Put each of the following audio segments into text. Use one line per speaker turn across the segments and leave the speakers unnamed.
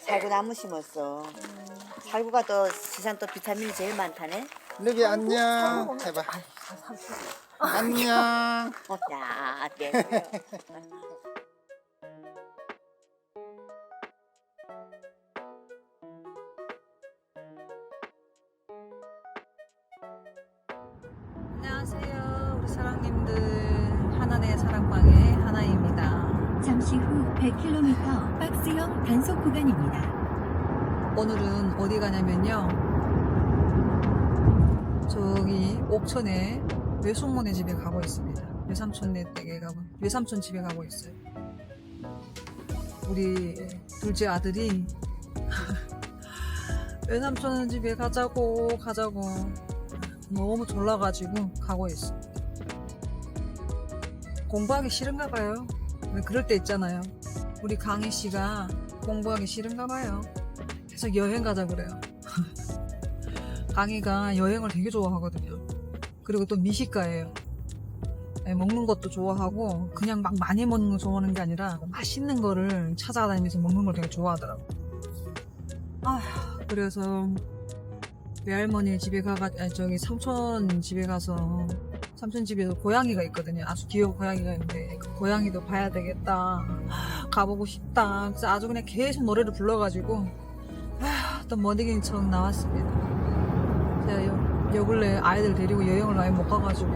살구 나무 심었어. 살구가 또 세상 또 비타민이 제일 많다네.
루비 안녕 해봐. 안녕.
야, 네.
안녕하세요, 우리 사랑님들. 하나의 사랑방의 하나입니다.
잠시 후 100km 박스형 단속 구간입니다.
오늘은 어디 가냐면요, 저기 옥천에 외숙모네 집에 가고 있습니다. 외삼촌네 댁에 가고, 외삼촌 집에 가고 있어요. 우리 둘째 아들이 외삼촌 집에 가자고 너무 졸라가지고 가고 있어. 공부하기 싫은가 봐요. 왜 그럴 때 있잖아요. 우리 강희 씨가 공부하기 싫은가 봐요. 계속 여행 가자 그래요. 강희가 여행을 되게 좋아하거든요. 그리고 또 미식가예요. 네, 먹는 것도 좋아하고 그냥 막 많이 먹는 거 좋아하는 게 아니라 맛있는 거를 찾아다니면서 먹는 걸 되게 좋아하더라고. 그래서 외할머니 집에 저기 삼촌 집에 가서, 삼촌 집에서 고양이가 있거든요. 아주 귀여운 고양이가 있는데 그 고양이도 봐야 되겠다, 가보고 싶다. 그래서 아주 그냥 계속 노래를 불러가지고 또 머니긴 척 나왔습니다. 제가 요 근래 아이들 데리고 여행을 아예 못 가가지고,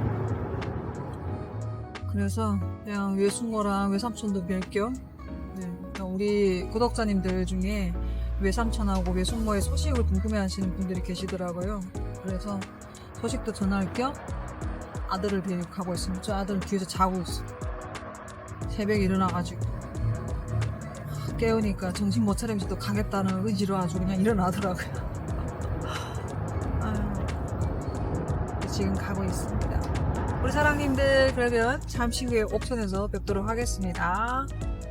그래서 그냥 외숙모랑 외삼촌도 뵐겸, 네, 우리 구독자님들 중에 외삼촌하고 외숙모의 소식을 궁금해하시는 분들이 계시더라고요. 그래서 소식도 전할 겸 아들을 데리고 가고 있습니다. 저 아들은 뒤에서 자고 있어. 새벽에 일어나가지고 깨우니까 정신 못 차리면서 또 가겠다는 의지로 아주 그냥 일어나더라고요. 지금 가고 있습니다. 우리 사랑님들, 그러면 잠시 후에 옥천에서 뵙도록 하겠습니다.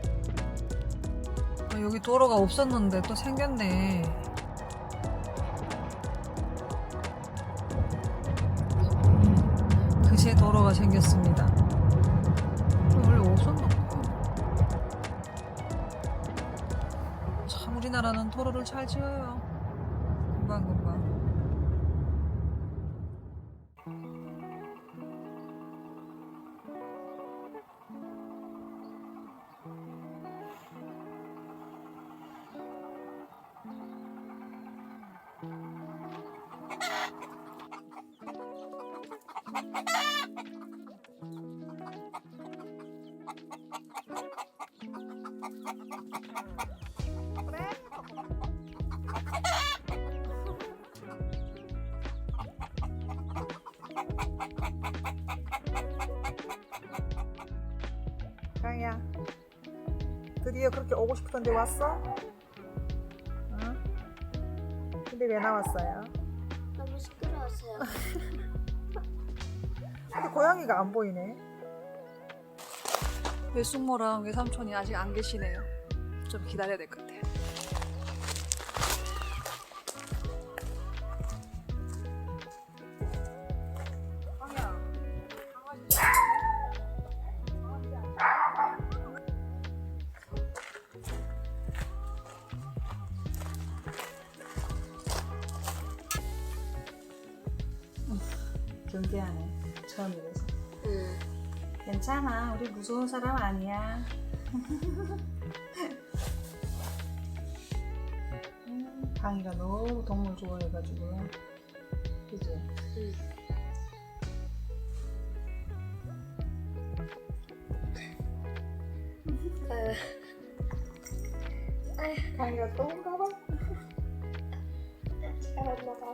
여기 도로가 없었는데 또 생겼네. 그새 도로가 생겼습니다. 원래 없었나 봐. 참 우리나라는 도로를 잘 지어요. 금방금방. 강이야, 드디어 그렇게 오고 싶던데 왔어? 응? 근데 왜 나왔어요?
너무 시끄러웠어요.
근데 고양이가 안 보이네. 외숙모랑 외삼촌이 아직 안 계시네요. 좀 기다려야 될 것 같아요. 강이야, 강아지. 경계하네. 처음이라서. 괜찮아. 우리 무서운 사람 아니야. 강이가 너무 동물 좋아해가지고. 그지? 강이가 또 온가 봐. 잘 올라가.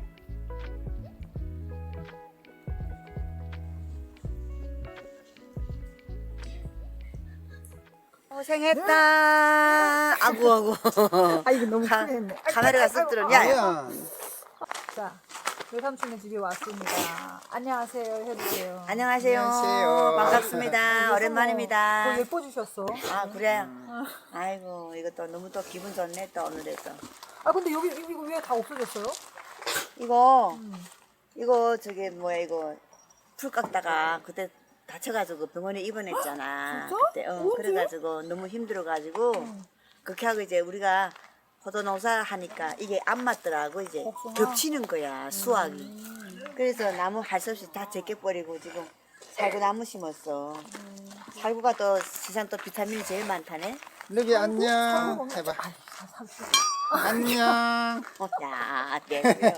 고생했다. 아구.
아, 이거 너무 크게 했네.
카메라가 쓱 들었냐?
아야.
자, 외삼촌의 집에 왔습니다. 안녕하세요 해주세요.
안녕하세요.
안녕하세요.
반갑습니다. 오랜만입니다.
더 예뻐지셨어.
아, 그래? 아이고, 이것도 너무 또 기분 좋네, 또 오늘에도.
아, 근데 여기 이거 왜 다 없어졌어요?
이거 저기 뭐야, 이거 풀 깎다가 그때 다쳐가지고 병원에 입원했잖아.
진짜?
그때
언제?
그래가지고 너무 힘들어가지고 그렇게 하고 이제 우리가 포도 농사 하니까 이게 안 맞더라고 이제
복숭아?
겹치는 거야 수확이. 그래서 나무 할 수 없이 다 제껴버리고 지금 살구 나무 심었어. 살구가 또 세상 또 비타민이 제일 많다네.
루비 안녕 해봐. 안녕.
야, 네.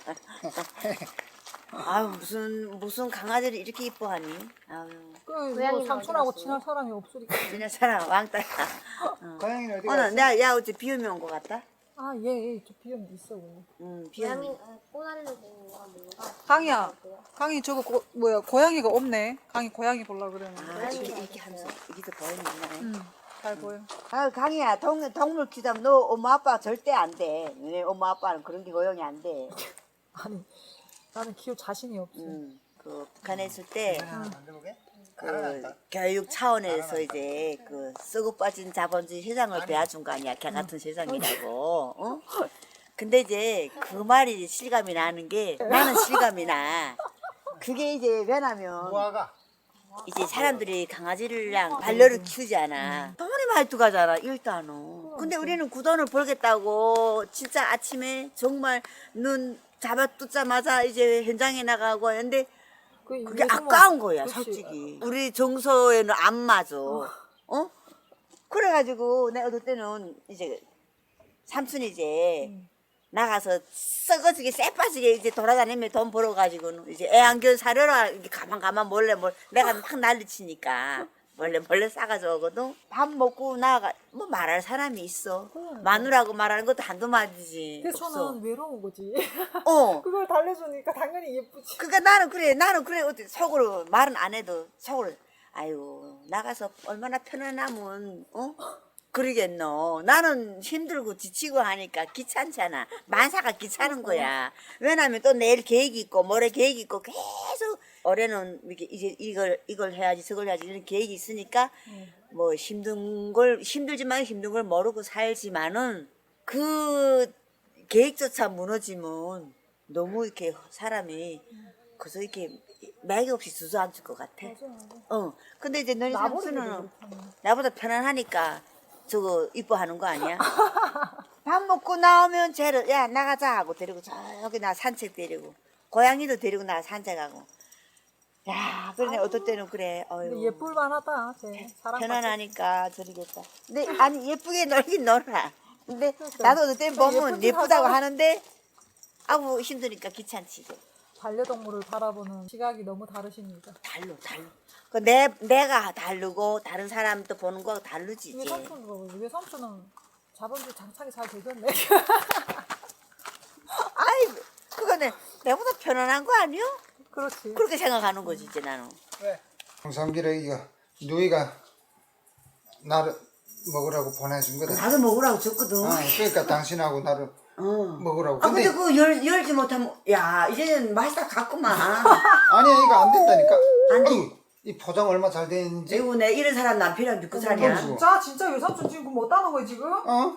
아유 무슨 강아지를 이렇게 이뻐하니? 아유
그
고양이는
뭐 삼촌하고
어디 갔어요?
친한 사람이 없으니까.
그냥 사람 왕따야.
고양이는 어디
오늘
갔어?
내가 어제 비염이 온 것 같다.
아얘저 비염 있어.
비염이.
고양이 꼬다리는 뭔가 뭔가.
강이야. 강이 저거 고양이가 없네. 강이 고양이 보려고 그러는데.
아 이렇게 하면서 이게 더 보이네.
잘 보여.
아 강이야 동물 키우자면 너 엄마 아빠 절대 안 돼. 너네 엄마 아빠는 그런 게 고용이 안 돼.
아니 나는 키울 자신이 없어.
그 북한에 있을 때
만들어보게?
그 교육 차원에서 이제 그 썩어 빠진 자본주의 세상을 배워준 거 아니야. 걔 같은 세상이라고. 어? 근데 이제 그 말이 실감이 나는 게 나는 실감이 나. 그게 이제 왜냐면
무화과.
이제 사람들이 강아지랑 반려를 키우잖아. 돈이 많이 들어가잖아, 일단은. 근데 우리는 그 돈을 벌겠다고 진짜 아침에 정말 눈 잡아 뜯자마자 이제 현장에 나가고 하는데 그게 아까운 거야, 솔직히. 우리 정서에는 안 맞아. 어? 그래가지고 내가 어떨 때는 이제 삼촌이 이제 나가서 썩어지게 쎄빠지게 이제 돌아다니며 돈 벌어가지고는 이제 애완견 사려라 이렇게 가만 몰래 내가 막 난리치니까 몰래 싸가지고 오거든. 밥 먹고 나가 뭐 말할 사람이 있어. 마누라고 말하는 것도 한두 마디지.
그래서
없어.
저는 외로운 거지.
어.
그걸 달래주니까 당연히 예쁘지.
그러니까 나는 그래 어떻게 속으로 말은 안 해도 속으로 아유 나가서 얼마나 편안하면 어 그러겠노. 나는 힘들고 지치고 하니까 귀찮잖아. 만사가 귀찮은 거야. 왜냐면 또 내일 계획이 있고 모레 계획이 있고 계속 올해는 이렇게 이제 이걸 해야지 저걸 해야지 이런 계획이 있으니까 뭐 힘들지만 힘든 걸 모르고 살지만은 그 계획조차 무너지면 너무 이렇게 사람이 그래서 이렇게 맥이 없이 주저앉을 것 같아. 근데 이제 너희 삼촌은 나보다 편안하니까 저거 이뻐하는 거 아니야? 밥 먹고 나오면 쟤를 야 나가자 하고 데리고 저기 나 산책 데리고 고양이도 데리고 나 산책하고 야 그러네 어떨 때는 그래
근데 예쁠 만하다. 쟤 사람
편안하니까 저리겠다. 근데 아니 예쁘게 놀긴 놀아. 근데
그러니까.
나도 어떨 때는 보면
예쁘긴
예쁘다고
하잖아.
하는데 아우 힘드니까 귀찮지.
반려동물을 바라보는 시각이 너무 다르십니다.
달로. 그 내가 다르고 다른 사람도 보는 거 다르지.
위에
이제.
삼촌은 자본주의 장착이 잘 되셨네.
아이 그거는 내보다 편안한 거 아니요?
그렇지.
그렇게 생각하는 거지 이제 나는.
왜? 홍삼기를 이거 누이가 나를 먹으라고 보내준 거다.
나도 먹으라고 줬거든.
그러니까 당신하고 나를 먹으라고.
근데 그거 열지 못하면 야 이제는 맛있다 갔구만.
아니야 이거 안 된다니까.
안 돼.
아이고, 이 포장 얼마 잘 돼 있는지.
아이고 내 이런 사람 남편이랑 믿고 사냐?
진짜 외삼촌 지금 그거 뭐 따는 거야 지금?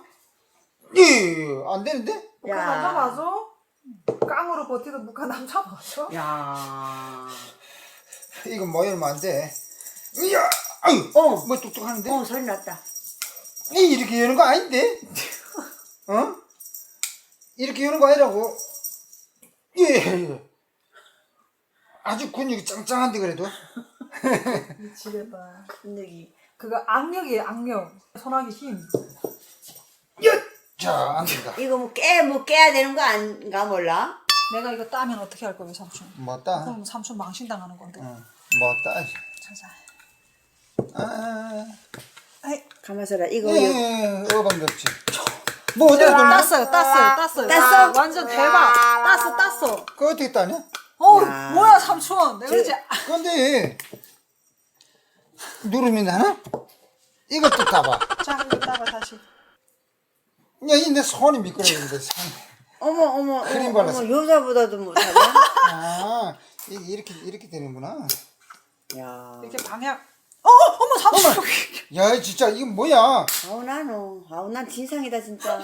안 되는데?
야.
남자 맞아? 깡으로 버티던 북한 남자 맞아?
야.
이거 뭐 이러면 안 돼. 이야, 아유, 뭐 뚝뚝하는데?
소리 났다.
이렇게 여는 거 아닌데? 이렇게 여는 거 아니라고? 예. 아주 근육이 짱짱한데 그래도.
미치겠다.
근육이.
그거 악력이에요 악력. 손아귀 힘.
자, 안 된다.
이거 뭐 깨야 되는 거 아닌가 몰라?
내가 이거 따면 어떻게 할 거야 삼촌?
뭐다?
그럼 삼촌 망신당하는 건데.
뭐다?
자자.
가만있어라 이거
어방이 없지. 뭐 어디가 돌려?
땄어요.
땄어?
아, 완전 대박. 땄어.
그거 어떻게 따냐?
뭐야 삼촌. 내가 이제
근데 누르면 하나? 이것도 따봐.
자 이거 따봐 다시.
야, 이 내 손이 미끄러지는데.
어머
크림 발랐어.
여자보다도 못하네.
아, 이렇게 되는구나.
야.
이렇게 방향. 어머 삼촌.
야, 진짜 이건 뭐야?
난 진상이다 진짜.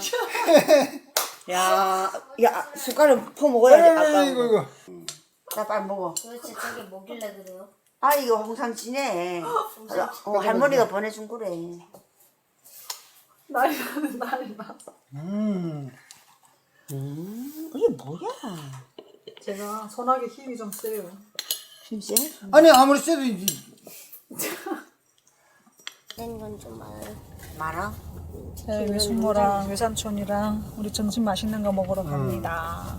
야 숟가락 퍼 먹어야 돼. 아까
이거.
나 빨리 먹어.
도대체 저게 뭐길래 그래요?
아 이거 홍삼찌네. 할머니가 보내준 거래.
난리 나는 난리 나.
이게 뭐야?
제가 손하게 힘이 좀 세요.
힘세?
아니 아무리 쎄도 이제
된건 좀 많아요.
많아?
네, 외숙모랑 외삼촌이랑 우리 점심 맛있는 거 먹으러 갑니다.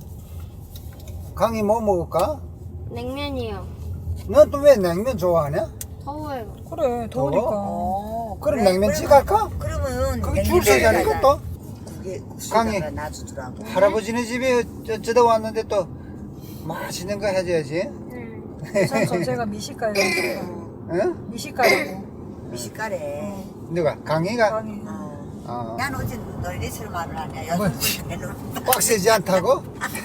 강이 뭐 먹을까?
냉면이요.
넌 또 왜 냉면 좋아하냐?
더워요.
그래 더우니까.
그럼 냉면집 갈까?
그러면
거기 줄 서자는 것도
그게
강의.
강의 놔주더라고.
할아버지네 집에 어쩌다 왔는데 또 맛있는 거 해줘야지.
외삼촌 제가 미식가예요.
응?
미식가라고.
미식가래.
누가? 강희가?
강의.
어.
난 어제 너희들처럼 말을 하냐.
뭐?
여성분 때는.
빡세지 않다고?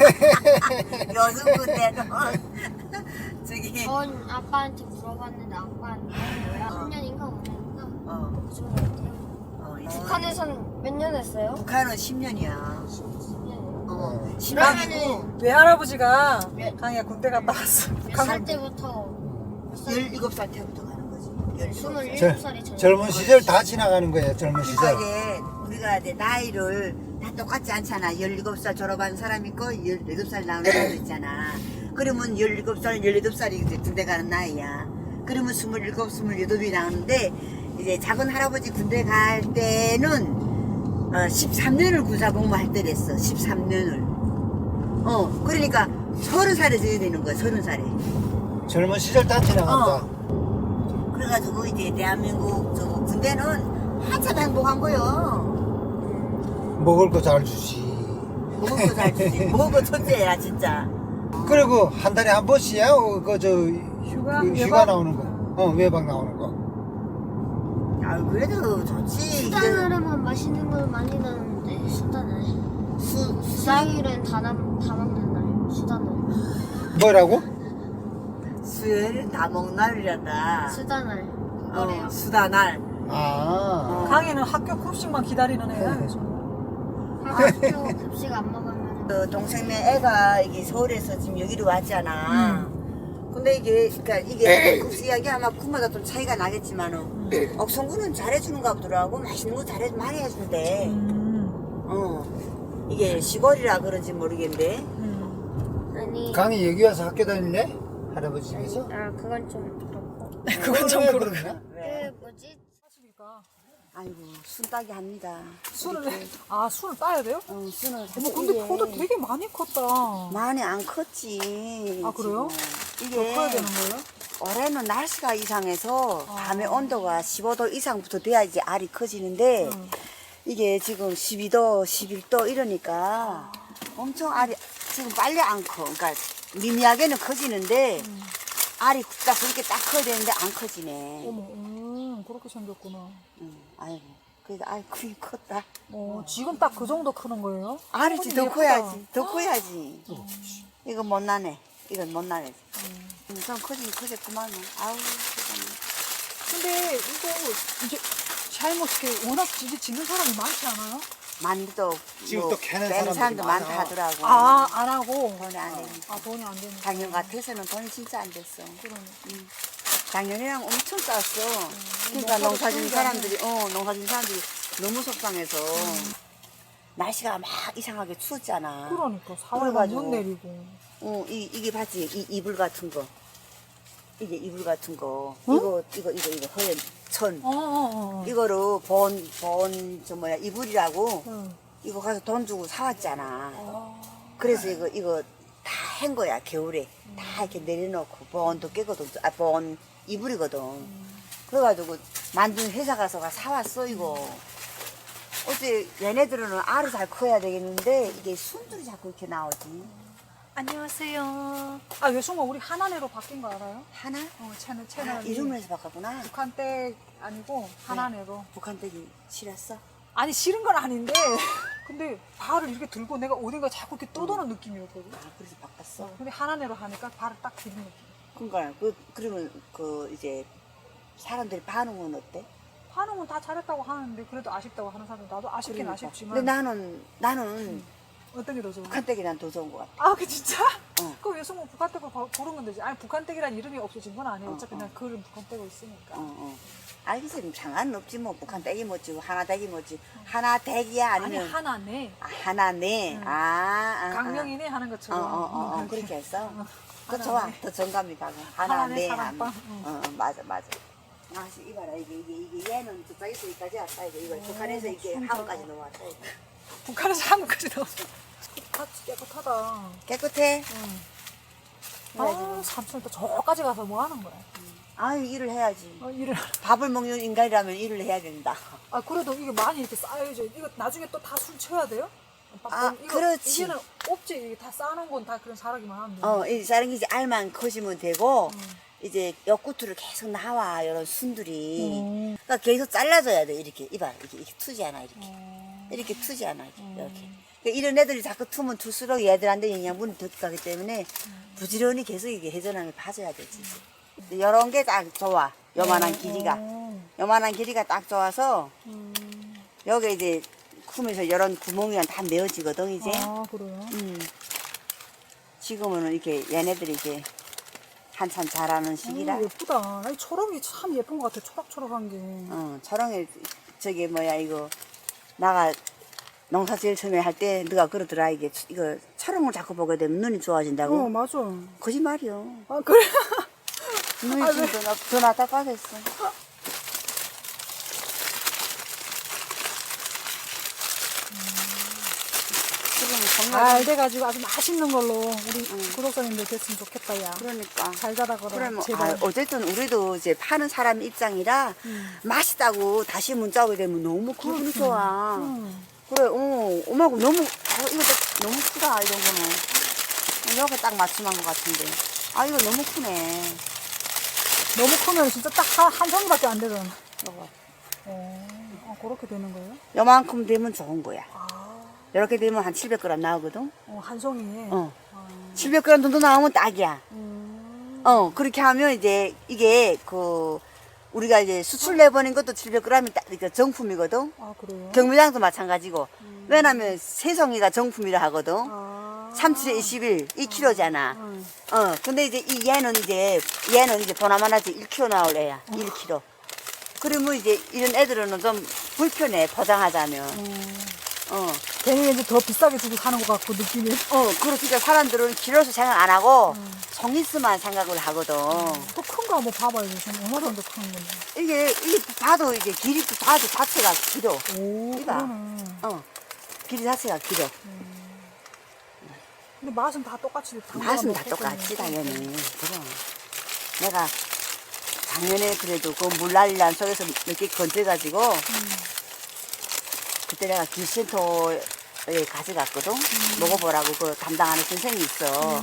여성분 때는. 저기.
전 아빠한테 물어봤는데 아빠는 뭐야? 3년인가 5년인가?
어.
그 정도 같아요. 북한에서는 몇 년 했어요?
북한은 10년이야.
10년이요.
어. 10년이고.
외할아버지가
네.
강의가 군대 갔다 왔어.
몇 살 때부터? 몇 살?
17살 때부터 가는 거지. 17살.
27살이
젊은 시절 다 지나가는 거예요. 젊은
그러니까
시절.
이제 우리가 이제 나이를 다 똑같지 않잖아. 17살 졸업한 사람 있고 18살 나오는 사람 있잖아. 그러면 17살, 18살이 이제 군대 가는 나이야. 그러면 27, 28이 나오는데 이제 작은 할아버지 군대 갈 때는 13년을 군사복무할 때랬어. 13년을. 그러니까 30살에 져야 되는 거야. 30살에.
젊은 시절 다 지나간다.
그래가지고 이제 대한민국 저 군대는 한참 행복한 거요.
먹을 거 잘 주지.
먹을 거 잘 주지. 먹을 거 천재야 진짜.
그리고 한 달에 한 번씩이야. 그저
휴가?
휴가
외박?
나오는 거. 외박 나오는 거.
아 그래도 좋지.
수단으로만 맛있는 걸 많이 나는데 수단을 수당일은 다 먹는 날 수단을
뭐라고?
수요일 다 먹는 날이란다.
수단을 그거래요.
수다날.
아.
강의는 학교 급식만 기다리는 애야. 그래서.
학교 급식 안 먹으면
그 동생네 애가 이게 서울에서 지금 여기로 왔잖아. 근데 그러니까 이게 급식 이야기 아마 군마다 좀 차이가 나겠지만은 억성군은 잘해주는가 보더라고. 맛있는 거 많이 해준대. 이게 시골이라 그런지 모르겠는데.
아니
강이 여기 와서 학교 다닐래? 할아버지 집에서?
그건 좀 그렇고
그건 좀
왜
그렇고.
그러냐?
왜?
뭐지?
아이고 순 따기 합니다.
술을 술을 따야 돼요?
순을.
어머 근데 포도 되게 많이 컸다.
많이 안 컸지.
아, 그래요?
지금.
더
이게
커야 되는 거예요?
올해는 날씨가 이상해서 밤에 온도가 15도 이상부터 돼야지 알이 커지는데 이게 지금 12도, 11도 이러니까 엄청 알이 지금 빨리 안 커. 그러니까 미미하게는 커지는데 알이 딱 그렇게 딱 커야 되는데 안 커지네.
어머, 그렇게 생겼구나.
아이고, 그래도 알이 크긴 컸다.
지금 딱 그 정도 크는 거예요?
알이지
어,
더
예쁘다.
커야지, 더 커야지. 이건 못 나네. 이건 못 나네. 좀 커지긴 커졌구만. 아우, 세상에.
근데 이거 이제 잘못 이렇게 워낙 이제 짓는 사람이 많지 않아요?
만두도
지금 또 캐는
빼는
사람들이
사람도
많아.
많다 하더라고.
안 하고.
돈이 안 되니까.
돈이 안 되는.
작년 같아서는 돈이 진짜 안 됐어.
그러네.
작년이랑 엄청 쌌어. 그러니까
농사도
농사진
키우지
사람들이, 농사진 사람들이 너무 속상해서. 날씨가 막 이상하게 추웠잖아.
그러니까 4월만
그래가지고.
못 내리고.
이게 봤지? 이 이불 같은 거. 이게 이불 같은 거. 이거 허연 천. 이거를 이불이라고. 이거 가서 돈 주고 사왔잖아. 그래서 이거 다 한 거야, 겨울에. 다 이렇게 내려놓고, bon도 깨거든. bon 이불이거든. 그래가지고 만든 회사 가서 사왔어, 이거. 어째 얘네들은 알을 잘 커야 되겠는데, 이게 순들이 자꾸 이렇게 나오지.
안녕하세요. 외숙모 우리 하나네로 바뀐 거 알아요?
하나?
채널.
이름을 해서 바꿨구나.
북한 댁 아니고 하나네로.
북한 댁이 싫었어?
아니 싫은 건 아닌데 근데 발을 이렇게 들고 내가 어딘가 자꾸 이렇게 떠도는 느낌이었거든.
그래서 바꿨어.
근데 하나네로 하니까 발을 딱 들은 느낌.
그러니까 그러면 이제 사람들이 반응은 어때?
반응은 다 잘했다고 하는데 그래도 아쉽다고 하는 사람들 나도 아쉽긴
그러니까.
아쉽지만.
근데 나는
어떤 게 더 좋아?
북한 댁이 난 더 좋은 것 같아.
아, 그 진짜? 그 여성분 북한댁으로 부르면 되지. 아니 북한댁이란 이름이 없어진 건 아니에요. 어차피 그냥 글은 북한댁으로 있으니까.
알겠어요. 상관은 없지 뭐. 북한 댁이 뭐지, 하나 댁이 뭐지. 하나 댁이야
아니
아니면
하나네.
하나네.
강명이네 하는 것처럼.
그렇게 했어. 더
하나네.
좋아. 더 정감이 가고.
하나네,
하나네.
사랑방.
맞아. 아, 이봐라 이게 얘는 저쪽에서 여기까지 왔다 이거 북한에서 이게 한국까지 넘어왔다 이거.
북한에서 한국까지 나왔어. 깨끗하다.
깨끗해.
아, 삼촌 또 저까지 가서 뭐 하는 거야?
아유 일을 해야지.
일을.
밥을 먹는 인간이라면 일을 해야 된다.
아, 그래도 이게 많이 이렇게 쌓여져. 이거 나중에 또 다 술 쳐야 돼요?
그렇지.
이제는 없지. 이게 다 쌓아놓은 건 다 그런 사람이만 하면 돼.
이 자른 게 이제 알만 커지면 되고 이제 옆구트를 계속 나와 이런 순들이. 그러니까 계속 잘라줘야 돼 이렇게. 이봐 이렇게 투지 않아 이렇게 투지 않아 이렇게. 그러니까 이런 애들이 자꾸 투면 투수록 얘들한테 영양분이 더 가기 때문에 부지런히 계속 이게 회전함을 봐줘야 되지. 이런 게 딱 좋아. 요만한 길이가 딱 좋아서 여기 이제 쿰에서 이런 구멍이랑 다 메워지거든 이제.
아, 그래요?
지금은 이렇게 얘네들이 이제 한참 자라는 시기라.
예쁘다. 아니, 초록이 참 예쁜 것 같아. 초록초록한 게.
초롱에 저기 뭐야 이거 나가 농사 제일 처음에 할 때 누가 그러더라 이거 초롱을 자꾸 보게 되면 눈이 좋아진다고.
맞아.
거짓말이요.
아, 그래?
눈이 지금 더 나타빠졌어.
잘 돼가지고 아주 맛있는 걸로 우리 구독자님들 됐으면 좋겠다, 야.
그러니까.
잘 자라 그러
그러면
제발.
어쨌든 우리도 이제 파는 사람 입장이라 맛있다고 다시 문자 오게 되면 너무 기분이 좋아. 그래, 엄마고 너무 이거 너무 크다 이런 거는. 여기 딱 맞춤한 것 같은데. 아 이거 너무 크네.
너무 크면 진짜 딱 한 송이밖에 안 되잖아.
이거.
그렇게 되는 거예요?
요만큼 되면 좋은 거야. 이렇게 되면 한 700g 나오거든.
한 송이에.
700g 정도 나오면 딱이야. 그렇게 하면 이제 이게 우리가 이제 수출 내보낸 것도 700g이 딱 그러니까 정품이거든.
아, 그래요?
경매장도 마찬가지고. 왜냐면 세송이가 정품이라 하거든. 37에 21, 2kg잖아. 근데 이제 얘는 이제 보나마나지 1kg 나올 애야. 1kg. 그러면 이제 이런 애들은 좀 불편해, 포장하자면.
괜히 이제 더 비싸게 주고 사는 것 같고, 느낌이.
그러니까 사람들은 키로수 생각 안 하고 송이수만 생각을 하거든.
또 큰 거 한번 봐봐요. 지금 얼마 정도 큰 건데.
이게 봐도 이게 길이 봐도 자체가 길어.
오,
이봐.
그러네.
길이 자체가 길어.
근데 맛은 다 똑같이.
맛은 다 똑같지 당연히. 그럼 내가 작년에 그래도 그 물난리난 속에서 몇 개 건져가지고 그때 내가 기센터에 가져갔거든. 먹어보라고 그 담당하는 선생이 있어.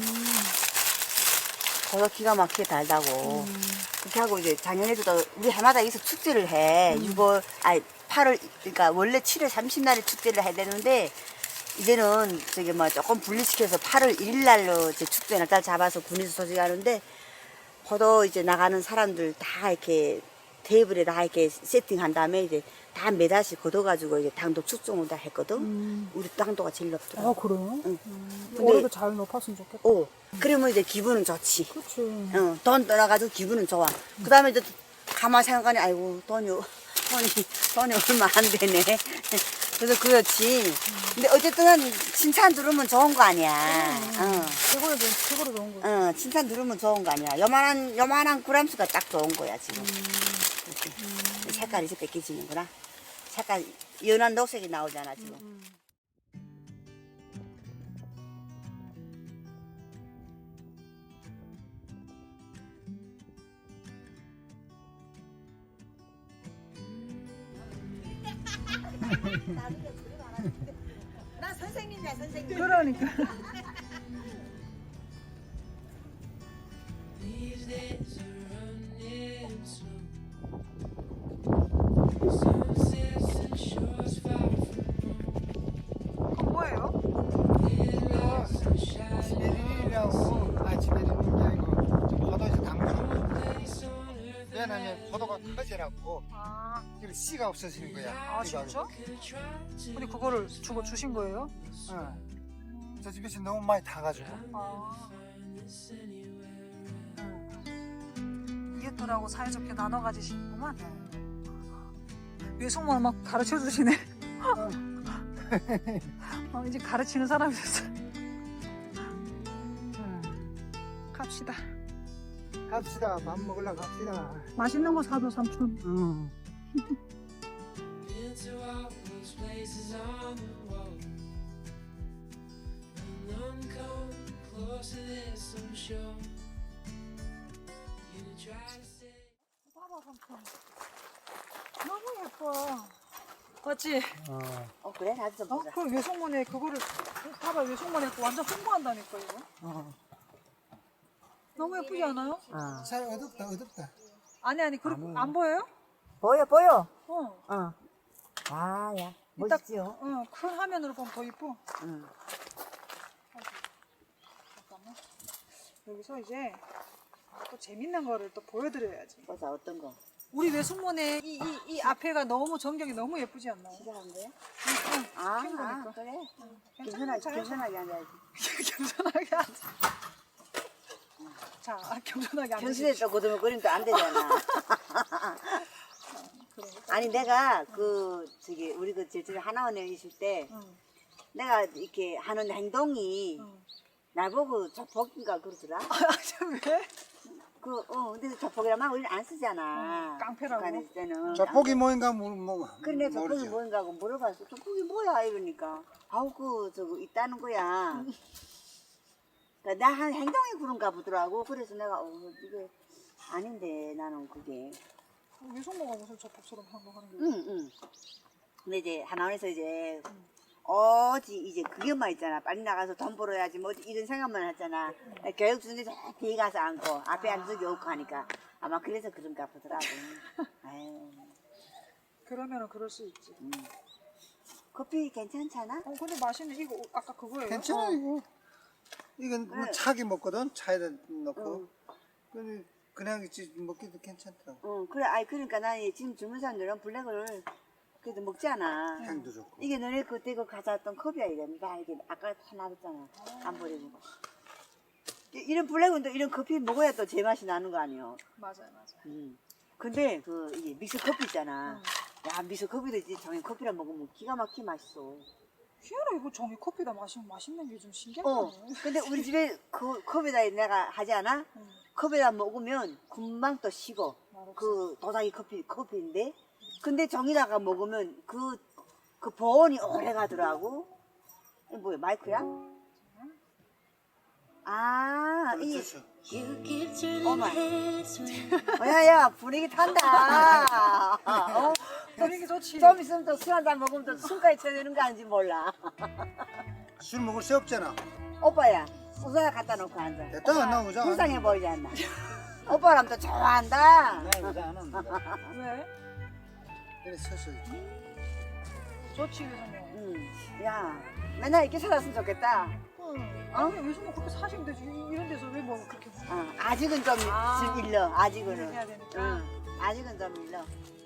그거 기가 막히게 달다고. 그렇게 하고 이제 작년에도 또 우리 해마다 여기서 축제를 해. 8월, 그러니까 원래 7월 30날에 축제를 해야 되는데 이제는 저기 뭐 조금 분리시켜서 8월 1일 날로 이제 축제 날짜 잡아서 군에서 소식하는데 포도 이제 나가는 사람들 다 이렇게 테이블에 다 이렇게 세팅한 다음에 이제 다 매달씩 걷어가지고 이제 당도 측정을 다 했거든. 우리 당도가 제일 높더라.
그래요?
응.
올해도 잘 높았으면 좋겠다.
그러면 이제 기분은 좋지.
그렇지.
돈 떠나가지고 기분은 좋아. 그 다음에 이제 가만 생각하니 아이고 돈이 얼마 안 되네. 그래서 그렇지. 근데 어쨌든 칭찬 들으면 좋은 거 아니야.
최고로 좋은 거.
칭찬 들으면 좋은 거 아니야. 요만한 그램수가 딱 좋은 거야 지금. 색깔이 이제 뺏기지는구나. 색깔 연한 녹색이 나오잖아 지금. 나 선생님이야 선생님.
그러니까. 뭐예요?
지베리라고 지베리는 게 아니고 포도에서 담그는 거. 왜냐면 포도가 커지라고 그리고 씨가 없어지는 거야.
진짜? 근데 그거를 주신 거예요?
저 집에서 너무 많이 타가지고.
이웃들하고 사이좋게 나눠 가지시는구만. 외숙모를 막 가르쳐 주시네. 이제 가르치는 사람이 됐어. 갑시다.
갑시다. 밥 먹으러 갑시다.
맛있는 거 사줘 삼촌.
응.
Been to all those places on the wall. And none come close to this, I'm sure. You try to say.
봐봐 삼촌. 너무 예뻐. 맞지?
그래 나도 좀 보자.
그 외숙모네 그거를 봐봐 외숙모네 완전 홍보한다니까 이거. 너무 예쁘지 않아요?
잘 어둡다.
아니 그리고 안 보여요?
보여.
어.
아야
이따-
멋있지요.
큰 화면으로 보면 더 이뻐.
응.
잠깐만. 여기서 이제 또 재밌는 거를 또 보여드려야지.
보자 어떤 거.
우리 외숙모네 이 앞에가 너무 전경이 너무 예쁘지 않나요?
시작한 거야?
응, 킨 거니까.
그래.
괜찮아,
겸손하게 앉아야지.
겸손하게 앉아. 자, 겸손하게 앉아.
현실에 또 고등어거리면 또 안 되잖아. 아니 내가 우리 그 제주도 하나원에 있을 때
응.
내가 이렇게 하는 행동이
응.
나보고 조폭인가 그러더라.
왜?
근데 조폭이란 말 우리는 안 쓰잖아.
깡패라고?
북한에 있을 때는.
저폭이 뭐인가
그래 내가 조폭이
모르죠.
뭔가 하고 물어봤어. 조폭이 뭐야 이러니까. 아우 저거 있다는 거야. 그러니까 나 한 행동이 그런가 보더라고. 그래서 내가 이게 아닌데 나는 그게.
외숙모가 무슨 저폭스러운 행동하는 거야?
응. 근데 이제 하나원에서 이제 이제 그게만 있잖아. 빨리 나가서 돈 벌어야지 뭐 이런 생각만 했잖아. 교육 주는데 저 뒤에 가서 앉고 앞에 앉은 적이 없고 하니까 아마 그래서 그런가 보더라고. 아유,
그러면은 그럴 수 있지.
커피 괜찮잖아?
근데 맛있네. 이거 아까 그거예요?
괜찮아 이거. 이건 뭐
네.
차게 먹거든. 차에다 넣고. 근데 그냥 있지 먹기도 괜찮더라고.
그래. 그러니까 난 지금 젊은 사람들은 블랙을 그래도 먹지 않아.
향도 좋고.
이게 너네 그때 가져왔던 컵이야 이게. 나 이게 아까 다 놔뒀잖아. 안 버리고. 이런 블랙은 또 이런 커피 먹어야 또 제맛이 나는 거 아니에요.
맞아요.
근데 이게 믹스 커피 있잖아. 야 믹스 커피도 이제 정해 커피랑 먹으면 기가 막히게 맛있어.
희한해. 이거 종이 커피다 마시면 맛있는 게 좀 신기하네.
근데 우리 집에 그 컵에다 내가 하지 않아? 컵에다 먹으면 금방 또 식어. 그 도자기 커피인데. 근데 정이다가 먹으면 그 보온이 오래 가더라고. 이게 뭐야 마이크야? 이게
그렇죠.
You keep turning
Oh my.
heads when
야야 분위기 탄다.
분위기 좋지.
좀 있으면 또 술 한잔 먹으면 또 술까지 쳐야 되는 거 아닌지 몰라.
술 먹을 새 없잖아.
오빠야 수저에 갖다 놓고 앉아.
됐다 안 나오자.
불쌍해 보이지 않나? 오빠랑 또 좋아한다.
나오자 안 한다.
왜?
이래 서서.
좋지 외숙모.
야 맨날 이렇게 살았으면 좋겠다.
아니 외숙모 그렇게 사시면 되지. 이런 데서 왜 뭐 그렇게
아직은 좀 일러. 아직은.
해야 되니까.
아직은 좀 일러.